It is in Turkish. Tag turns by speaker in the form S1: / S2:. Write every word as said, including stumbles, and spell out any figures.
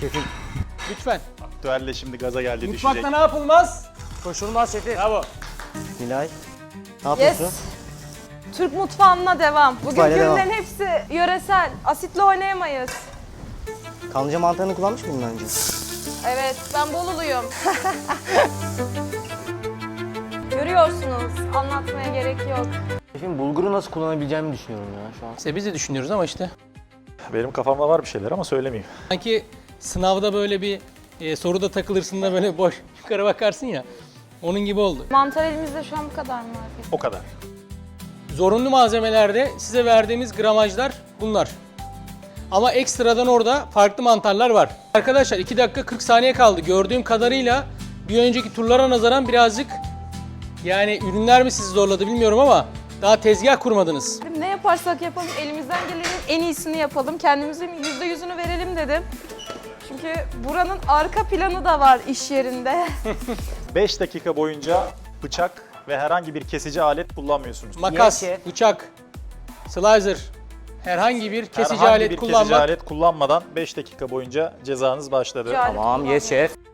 S1: Şefim.
S2: Lütfen.
S3: Aktüelle şimdi gaza geldi,
S2: Mutfakta
S3: düşecek.
S2: ne yapılmaz?
S1: Koşulmaz şefim.
S2: Bravo.
S1: Nilay. Ne yapıyorsun?
S4: Yes. Türk mutfağına devam. Bugün
S1: Mutfağıyla devam.
S4: ürünlerin hepsi yöresel. Asitle oynayamayız.
S1: Kanlıca mantarını kullanmış mıydın daha önce?
S4: Evet, ben Boluluyum. Görüyorsunuz, anlatmaya gerek yok.
S1: Şefim bulguru nasıl kullanabileceğimi düşünüyorum ya şu an.
S2: İşte biz de düşünüyoruz ama işte.
S3: Benim kafamda var bir şeyler ama söylemeyeyim.
S2: Sanki sınavda böyle bir e, soruda takılırsın da böyle boş yukarı bakarsın ya. Onun gibi oldu.
S4: Mantar elimizde şu an bu kadar mı var?
S3: O kadar.
S2: Zorunlu malzemelerde size verdiğimiz gramajlar bunlar. Ama ekstradan orada farklı mantarlar var. Arkadaşlar iki dakika kırk saniye kaldı. Gördüğüm kadarıyla bir önceki turlara nazaran birazcık yani ürünler mi sizi zorladı bilmiyorum ama daha tezgah kurmadınız.
S4: Ne yaparsak yapalım, elimizden gelenin en iyisini yapalım. Kendimizin yüzde yüzünü verelim dedim. Çünkü buranın arka planı da var iş yerinde.
S3: beş dakika boyunca bıçak ve herhangi bir kesici alet kullanmıyorsunuz.
S2: Makas,
S1: Yes, şef.
S2: bıçak, slicer, herhangi bir kesici
S3: herhangi
S2: alet
S3: bir
S2: kullanmak.
S3: kesici alet kullanmadan beş dakika boyunca cezanız başladı.
S4: Cezayir
S1: Tamam, yes şef.